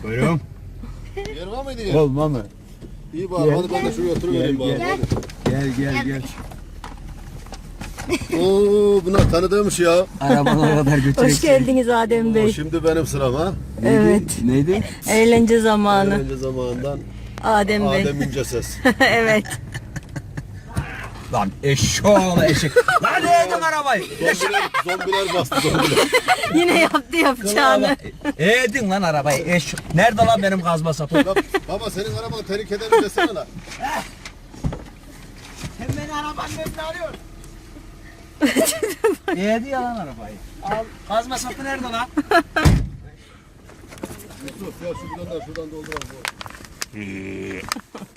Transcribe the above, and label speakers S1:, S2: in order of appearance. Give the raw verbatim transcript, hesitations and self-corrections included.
S1: Buyurun.
S2: Yer var mıydı ya?
S1: Olma mı?
S2: İyi bari hadi ben de şuraya oturuvereyim bari.
S1: Gel gel gel. gel.
S2: Oo bunlar tanıdığımmış ya.
S1: Arabana kadar götürecek.
S3: Hoş geldiniz Adem
S2: Oo,
S3: Bey.
S2: şimdi benim sıram ha.
S3: Evet.
S1: Neydi?
S3: Eğlence zamanı.
S2: Önce zamanından
S3: Adem Bey.
S2: Adem İnce Ses.
S3: Evet.
S1: Lan eşşoğlu eşek. Lan ne edin arabayı?
S2: Zombiler, zombiler bastı zombiler.
S3: Yine yaptı yapacağını.
S1: Edin lan arabayı eşşoğlu. Nerede lan benim kazma sapı?
S2: Ya, baba senin arabanı tehlikeden mi desene lan.
S1: Sen beni arabanın önüne alıyorsun. Yedi ya lan arabayı. Al. Kazma sapı nerede lan?
S2: Yusuf ya şu bilanlar şuradan dolduralım.